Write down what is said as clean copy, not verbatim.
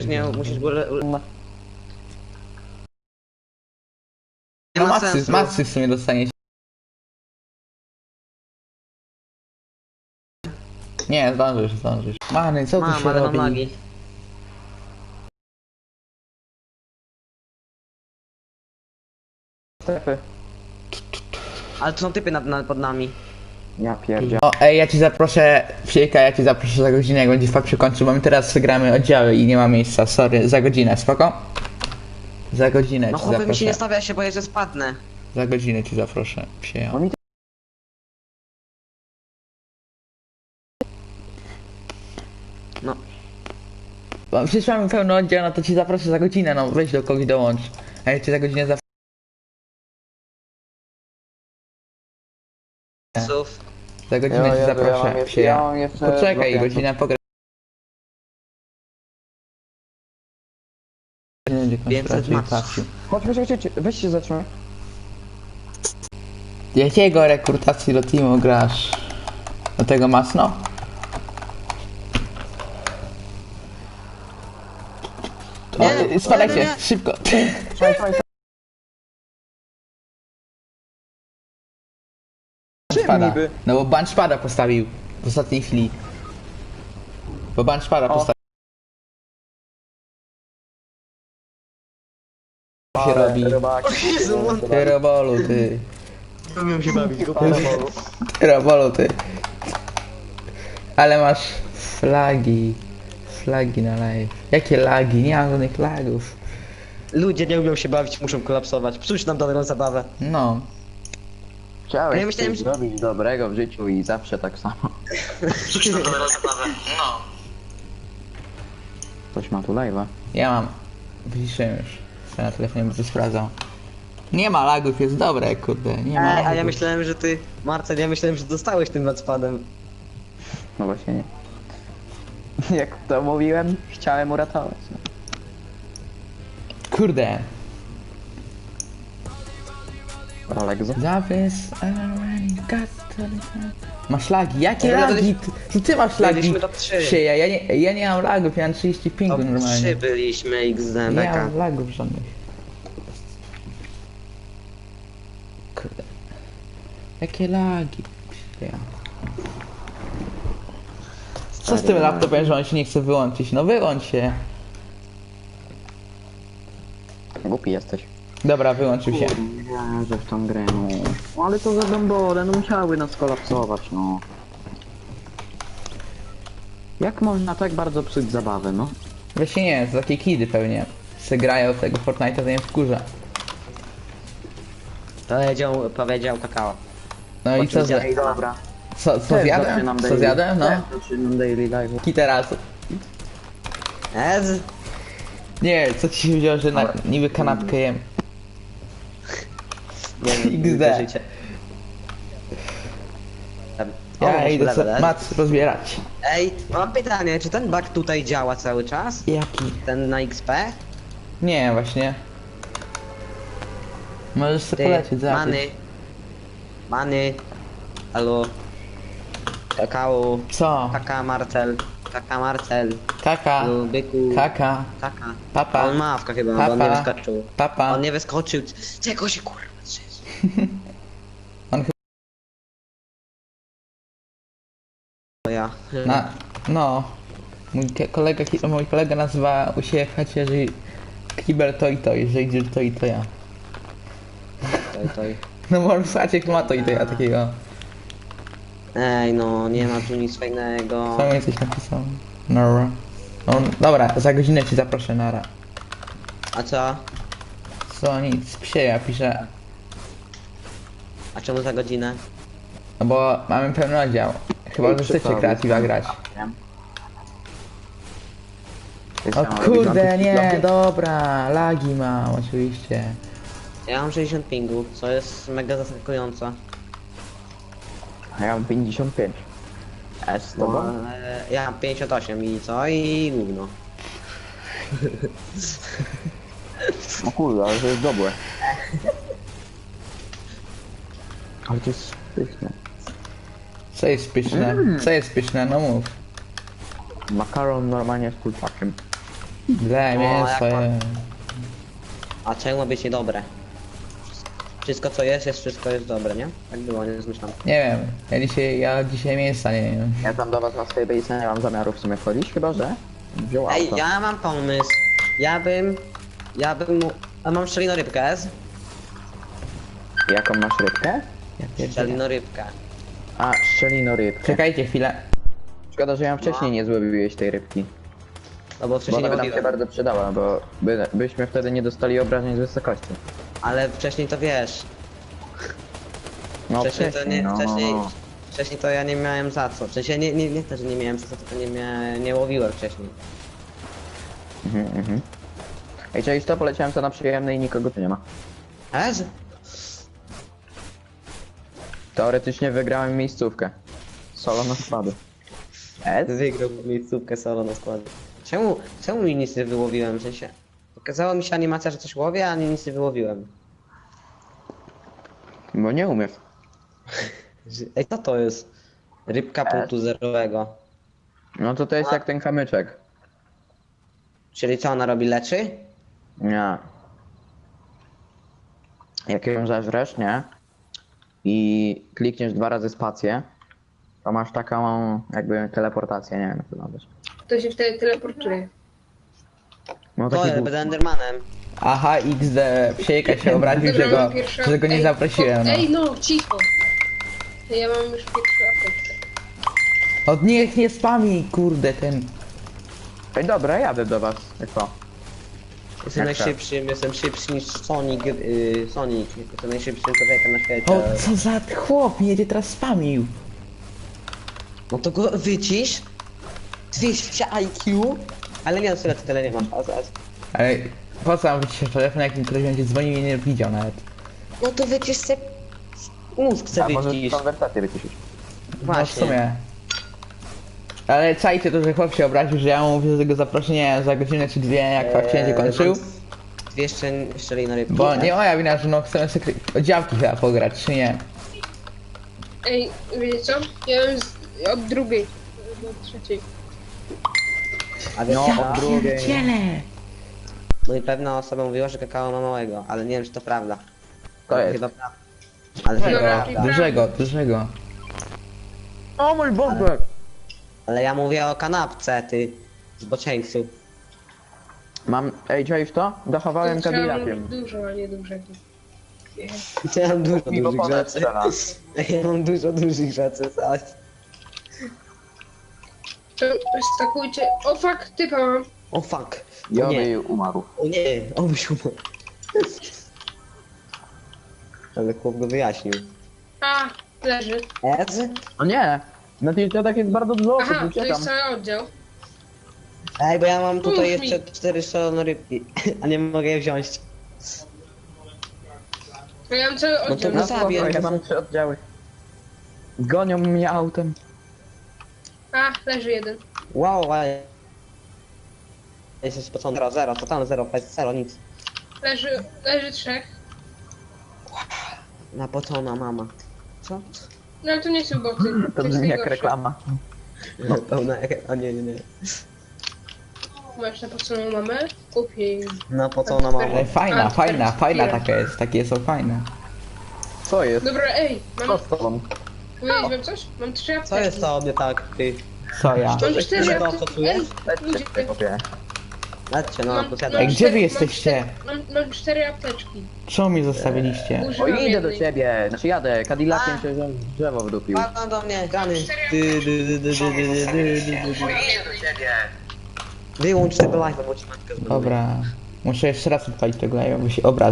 nie, musisz go... Nie No ma sensu. macy w sumie dostaniesz. Nie, zdążysz. Many, co tu Mam, się ale mam robi? lagi. Strefy. Ale tu są typy pod nami. Ja pierdzielę. O, ej, ja ci zaproszę, Fiejka, ja ci zaproszę za godzinę, jak będzie fakt przykończył, bo my teraz gramy oddziały i nie ma miejsca, sorry, za godzinę, spoko? Za godzinę No ci chłopie, mi się nie zaproszę. stawia się, bo jeszcze spadnę. Za godzinę ci zaproszę, Fieja. No mi No. Bo przecież mamy pełny oddział, no to ci zaproszę za godzinę, no weź do kogoś dołącz. A ja ci za godzinę zaproszę. Sów. Za godzinę ci zaproszę, ja Fieja. mam jeszcze Poczekaj, blokuję. godzina pogra... Będzie 500 raczej max. patrzył. Chodź, weź się zatrzymaj. Jakiego rekrutacji do teamu grasz? Do tego masno? Nie, Spadajcie, nie, nie. szybko. Trzymaj. Spada. niby? No bo ban szpada postawił w ostatniej chwili. Bo ban szpada O. postawił. Co się robi? Jezu, on... Ty robolu, ty. Umiem się bawić, go Ty robolu, ty. Ale masz flagi. Flagi na live. Jakie lagi? Nie mam żadnych lagów. Ludzie nie umią się bawić, muszą kolapsować. Psuć nam dobrą zabawę. No. Chciałeś Ja myślałem, coś że- zrobić dobrego w życiu i zawsze tak samo. Dobrą zabawę. No. Ktoś ma tu live'a. Ja mam. Wyciszyłem już. Sobie na telefonie będę sprawdzał. Nie ma lagów, jest dobre, kurde. Nie ma A ja lagów. myślałem, że ty... Marcel, ja myślałem, że dostałeś tym nadspadem. No właśnie nie. Jak to mówiłem, chciałem uratować. No. Kurde. Rolexu. Zawis, masz lagi? Jakie Ja lagi? Ty masz lagi? byliśmy top 3. Sieja, ja nie mam lagów, ja mam 30 pingu Top 3 normalnie. byliśmy XD, Nie beka. mam lagów żadnych. Kurde. Jakie lagi? Sieja. Co z tym laptopem, że on się nie chce wyłączyć? No wyłącz się. Głupi jesteś. Dobra, wyłączył się. Ja, że w tą grę, no. No ale to za dąbole, no musiały nas kolapsować, no. Jak można tak bardzo psuć zabawę, no? Właśnie nie, to takie kidy pewnie. Se grają w tego Fortnite'a, to nie wkurza. Powiedział kakao. No i co, Ej, dobra. co Też zjadłem? zaczynam Co daily. zjadłem? No. Też zaczynam daily live. I teraz. Ez? Nie, co ci się wzięło, że Ale- niby kanapkę jem. Nie wiem, XD. życie. Ja idę level, sobie ez? mac rozbierać. Ej, mam pytanie, czy ten bug tutaj działa cały czas? Jaki? Ten na XP? Nie, właśnie. Możesz sobie Ty, polecieć, Many. zobaczyć. Many. Halo. Kakao. Co? Kaka Marcel. Kaka Marcel. Kaka. Halo, byku. Kaka. Kaka. Papa. On ma awka chyba, bo on nie wyskoczył. Papa. On nie wyskoczył. Czego się kurwa drzesz? On To ja. No. Mój kolega nazywa u siebie w chacie, że kibel to i to, że idzie to i to ja. Toj. No bo on w chacie ma to i to ja takiego. Ej no, nie ma tu nic fajnego. Co mi coś napisał? Nora. No, dobra, za godzinę ci zaproszę, Nara. A co? Co nic, psie, ja piszę. A czemu za godzinę? No bo mamy pełny oddział. Chyba, że chcecie kreatywa grać. O kurde, nie, dobra, lagi mam, oczywiście. Ja mam 60 pingu, co jest mega zaskakujące. A ja mam 55. S to No, bo? ale ja mam 58 i co? I gówno. No kurde, ale to jest dobre. Ale to jest pyszne. Co jest pyszne? Co jest pyszne? No mów. Makaron normalnie z kurczakiem. Ble, mięso jak je. A czemu ma być niedobre? Wszystko co jest, wszystko jest dobre, nie? Tak było, nie zmyślam. Nie wiem, ja dzisiaj mięsa nie wiem. Ja tam do was na swojej bejce nie mam zamiaru w sumie wchodzić, chyba że wziął Ej, auto. ja mam pomysł. Ja bym mu... A mam szczelinorybkę, S? Jaką masz rybkę? Szczelinorybkę. A, szczelinorybkę. Czekajcie chwilę. Szkoda, że ja wcześniej nie złowiłeś tej rybki. No bo Bo wcześniej ona nie by nam się łowiłem. bardzo przydała, bo byśmy wtedy nie dostali obrażeń z wysokości. Ale wcześniej to wiesz. No Wcześniej to nie... no. Wcześniej to ja nie miałem za co. W sensie nie to, że nie miałem za co, tylko nie łowiłem wcześniej. Mhm. Ej, cześć, to poleciałem to na przyjemne i nikogo tu nie ma. S? Teoretycznie wygrałem miejscówkę. Solo na składy. Wygrał miejscówkę solo na składzie. Czemu mi nic nie wyłowiłem? W sensie... Pokazała mi się animacja, że coś łowię, a nic nie wyłowiłem. Bo nie umiesz. Ej, co to jest? Rybka punktu zerowego. No to jest jak ten kamyczek. Czyli co ona robi? Leczy? Nie. Jak ją zeżresz, nie? I klikniesz 2 razy spację, to masz taką jakby teleportację, nie wiem jak to nazwać. To się wtedy teleportuje. No To taki jest, boost. będę Endermanem. Aha, XD, Psiejka się obraził, mam pierwszą- że go nie Ej, zaprosiłem. No. Ej, no, cicho. Ja mam już pierwszą apteczkę. Od niech nie spami, kurde, ten. Ej dobra, jadę do was. Jak to? Jestem Jak najszybszym, jestem szybszy niż Sonic, Sonic. Jestem najszybszym człowiekiem na świecie. O, co za chłop, mnie teraz spamił. No to go wycisz. 200 IQ. Ale nie, tyle nie mam. Ale po co mam wyciszyć telefon, jak mi ktoś będzie dzwonił i nie widział nawet. No to wycisz se... Mózg se A może wycisz. konwersację wyciszyć. No w Właśnie. sumie. Ale czajcie to, że chłop się obraził, że ja mu mówię, że go zaproszę, nie wiem, za godzinę czy dwie, jak fakt będzie kończył. 200 szczeli na rybki. Bo nie moja wina, że no chcemy sobie o działki chyba pograć, czy nie? Ej, wiecie co? Ja mam od drugiej do trzeciej. A wiesz, No, co? od drugiej. No i pewna osoba mówiła, że kakao ma małego, ale nie wiem, czy to prawda. To jest. Chyba prawda. Ale chyba Dobra. prawda. Dużego. O mój Boże! Ale ja mówię o kanapce, ty zboczeńcu. Mam... Ej, czaisz to? Dochowałem Trzeba Cadillaciem. dużo, a nie dużego. Ja mam dużo Miło dużych ponad rzeczy. strzela. Ja mam dużo dużych rzeczy, zaś. To stakujcie. O fuck, typa mam. O fuck. O Ja nie, by umarł. o nie, o byś umarł. Ale chłop go wyjaśnił. A, leży. Ez? O nie! Na tych dziadach jest bardzo dużo osób, Aha, to uciekam. jest cały oddział. Ej, bo ja mam tutaj Mów mi. jeszcze 4 szalone rybki, a nie mogę je wziąć. A ja mam cały oddział. to No zabij, spoko, ja ja mam 3 oddziały. Gonią mnie autem. A, leży jeden. Wow, ale... Jestem spocony. Zero, totalnie zero, nic. Leży trzech. Napocona mama. Co? No ale to nie są boty. To jest brzmi jak najgorsze. reklama. No, pełna... O nie. Masz napoconą mamę? Kup jej. Napocona mama. Ale fajna, A, fajna teraz taka jest, takie są fajne. Co jest? Dobra, ej, Co mam... z tobą? Powiedzieć wam coś? Mam 3 apteczki. Co jest to mnie tak, ty? Co ja? Mam Coś 4 dużego apteczki. stosujesz? Ej, ludzie, Lecz kopie. Lećcie, no, Mam- posiadam. Ej, gdzie wy jesteście? Mam 4 apteczki. Czemu mi zostawiliście? O, Używam idę do jednej. ciebie. Znaczy jadę. Cadillaciem A. się drzewo wdupił. Padną do mnie, grany. Wyłącz tego live'a, bo ci matka zbanuje. Dobra. Muszę jeszcze raz odpalić tego live'a, bo się obraz